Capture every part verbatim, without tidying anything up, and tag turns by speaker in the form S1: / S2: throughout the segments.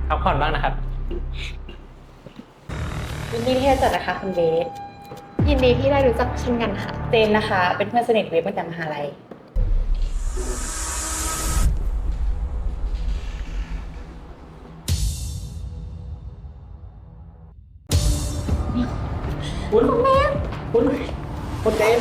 S1: พักผ่อนบ้างนะครับ
S2: ยินดีที่ได้เจอนะคะคุณเบสยินดีที่ได้รู้จักเช่นกันค่ะเจนนะคะเป็นเพื่อนสนิทเวฟมาจากมหาลัย
S1: คุณคุณคุณเจน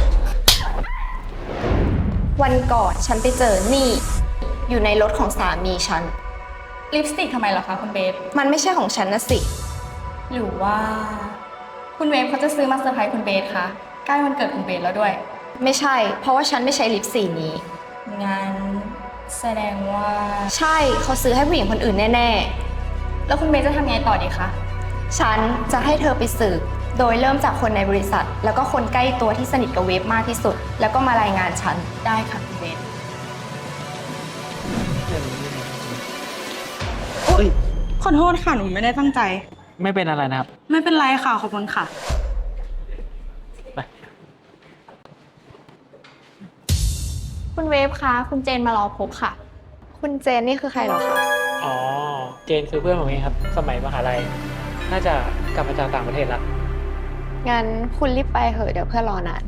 S3: วันก่อนฉันไปเจอนี่ อยู่ในรถของสามีฉัน
S4: ลิปสติกทำไมเหรอคะคุณเบฟ
S3: มันไม่ใช่ของฉันนะสิ
S4: หรือว่า คุณเวฟเขาจะซื้อมาเซอร์ไพรส์คุณเบสคะใกล้วันเกิดคุณเบสแล้วด้วย
S3: ไม่ใช่ เพราะว่าฉันไม่ใช้ลิปสีนี้
S4: งั้นแสดงว่า
S3: ใช่เขาซื้อให้ผู้หญิงคนอื่นแน่
S4: แล้วคุณเบสจะทำไงต่อดีคะ
S3: ๆ ฉันจะให้เธอไปสืบ โดยเริ่มจากคนในบริษัท แล้วก็คนใกล้ตัวที่สนิทกับเวฟมากที่สุด แล้วก็มารายงานฉัน
S4: ได้ค่ะคุณเบส
S5: ขอโทษค่ะ หนูไม่ได้ตั้งใจ
S1: ไม่เป็นอะไรนะครับ
S5: ไม่เป็นไรค่ะ ขอบคุณค่ะ
S1: ไป
S4: คุณเวฟคะคุณเจนมารอพบค่ะ
S3: คุณเจนนี่คือใครเหรอคะ
S1: อ๋อ เจนคือเพื่อนผมเองครับ สมัยมหาลัย น่าจะกลับมาจากต่างประเทศละ
S3: งั้นคุณรีบไปเหอะเดี๋ยวเพื่อนรอนาน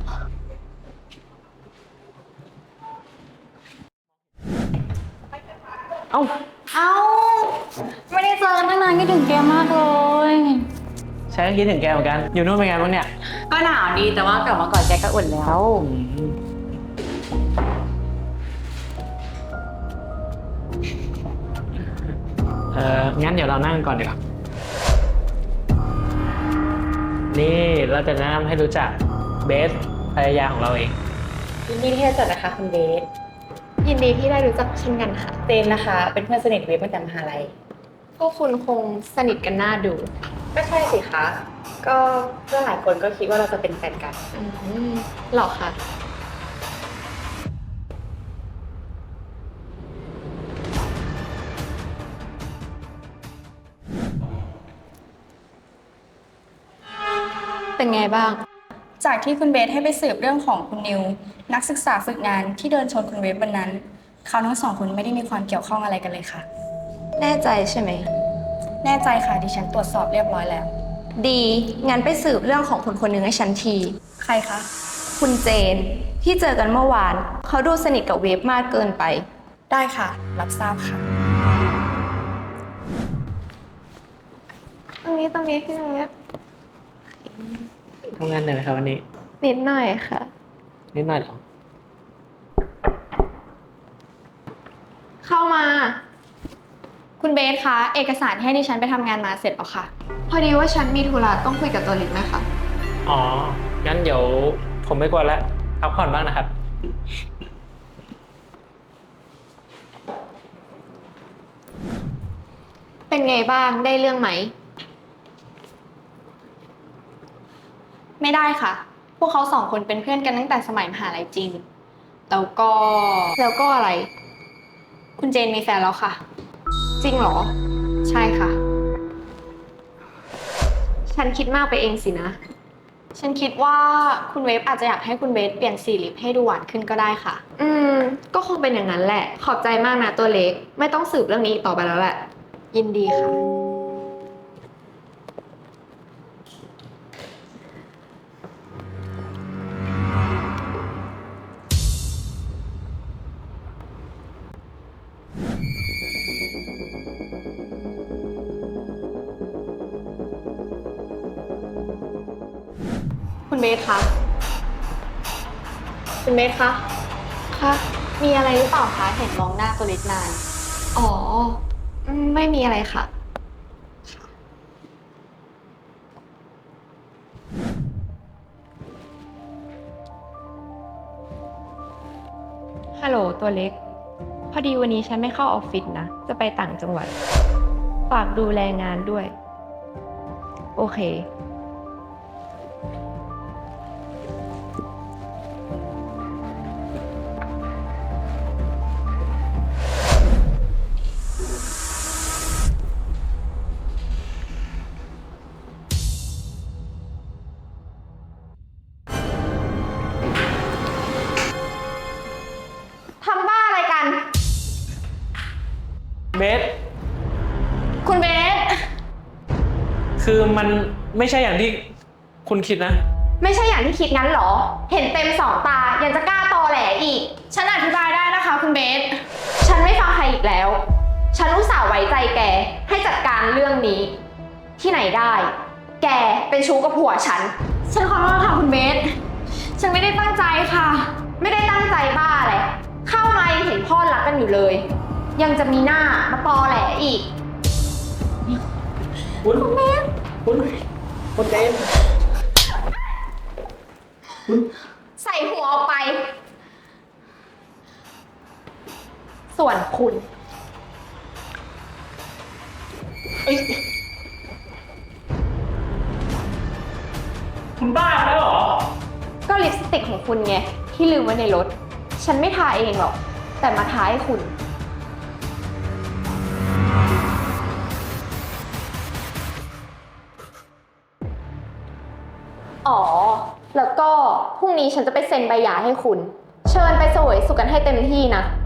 S1: เอ้า
S4: เอ้า ไม่ได้เจอกันตั้งนานคิดถึงแกมากเลย
S1: ฉันก็คิดถึงแกเหมือนกัน อยู่นู่นเป็นไงบ้างเนี่ย
S2: ก็หนาวดีแต่ว่ากลับมาก่อนแกก็อุ่นแล้ว
S1: เอองั้นเดี๋ยวเรานั่งก่อนดีกว่านี่เราจะแนะนำให้รู้จักเบสภรรยาของเราเอง
S2: ยินดีที่ได้เจอนะคะคุณเบสยินดีที่ได้รู้จักเช่นกันค่ะเจนนะคะเป็นเพื่อนสนิทเวฟมาจากมหาลัย
S3: พวกคุณคงสนิทกันน่าดู
S2: ก็ใช่สิคะก็เพื่อนหลายคนก็คิดว่าเราจะเป็นแฟนกัน
S3: อืมหรอคะ เป็นไงบ้าง
S4: จากที่คุณเบสให้ไปสืบเรื่องของคุณนิว นักศึกษาฝึกงานที่เดินชนคุณเวฟวันนั้น เขาทั้งสองคนไม่ได้มีความเกี่ยวข้องอะไรกันเลยค่ะ
S3: แน่ใจใช่ไหม
S4: แน่ใจค่ะดิฉันตรวจสอบเรียบร้อยแล้ว
S3: ดี งั้นไปสืบเรื่องของคนคนหนึ่งให้ฉันที
S4: ใครคะ
S3: คุณเจน ที่เจอกันเมื่อวาน เขาดูสนิทกับเวฟมากเกินไป
S4: ได้ค่ะ รับทราบค่ะ
S3: ตรงนี้ตรงนี้พี่เวฟ
S1: ทำงานเหนื่อยไหมครับวันนี้
S3: นิดหน่อยค่ะ
S1: นิดหน่อยเหรอ
S3: เข้ามา
S4: คุณเบสคะ เอกสารที่ให้ดิฉันไปทำงานมาเสร็จแล้วค่ะ
S3: พอดีว่าฉันมีธุระต้องคุยกับตัวเล็กนะคะ
S1: อ๋อ งั้นเดี๋ยวผมไม่กวนแล้วพักผ่อนบ้างนะครับ
S3: เป็นไงบ้างได้เรื่องไหม
S4: ไม่ได้ค่ะ พวกเขาสองคนเป็นเพื่อนกันตั้งแต่สมัยมหาลัยจริง แล้วก็
S3: แล้วก็อะไร
S4: คุณเจนมีแฟนแล้วค่ะ
S3: จริงเหรอ
S4: ใช่ค่ะ
S3: ฉันคิดมากไปเองสินะ
S4: ฉันคิดว่าคุณเวฟอาจจะอยากให้คุณเบสเปลี่ยนสีลิปให้ดูหวานขึ้นก็ได้ค่ะ
S3: อืม ก็คงเป็นอย่างนั้นแหละ ขอบใจมากนะตัวเล็ก ไม่ต้องสืบเรื่องนี้อีกต่อไปแล้วแหละ ยินดีค่ะ
S4: คุณเบสคะ
S3: คุณเบสคะ
S4: คะ มีอะไรหรือเปล่าคะ เห็นมองหน้าตัวเล็กนาน
S3: อ๋ออืมไม่มีอะไรค่ะ ฮัลโหลตัวเล็ก พอดีวันนี้ฉันไม่เข้าออฟฟิศนะ จะไปต่างจังหวัด ฝากดูแลงานด้วย โอเคทำบ้าอะไรกัน
S1: เบส
S2: คุณเบส
S1: คือมันไม่ใช่อย่างที่คุณคิดนะ
S3: ไม่ใช่อย่างที่คิดงั้นเหรอ เห็นเต็มสองตายังจะกล้าตอแหลอีก
S2: ฉันอธิบายได้นะคะ คุณเบส
S3: ฉันไม่ฟังใครอีกแล้ว ฉันอุตส่าห์ไว้ใจแกให้จัดการเรื่องนี้ ที่ไหนได้ แกเป็นชู้กับผัวฉัน
S2: ฉันขอโทษค่ะคุณเบส ฉันไม่ได้ตั้งใจค่ะ
S3: ไม่ได้ตั้งใจบ้าแหละเข้ามายังเห็นพ่อรักกันอยู่เลย ยังจะมีหน้ามาตอแหลอีก
S1: คุณคุณคุณคุณเจน
S3: ใส่หัวออกไป ส่วนคุณ
S1: เอ้ยคุณบ้าแล้วเหรอ
S3: ก็ลิปสติกของคุณไงที่ลืมไว้ในรถ ฉันไม่ทาเองหรอก แต่มาทาให้คุณ อ๋อ แล้วก็พรุ่งนี้ฉันจะไปเซ็นใบหย่าให้คุณ เชิญไปเสวยสุขกันให้เต็มที่นะ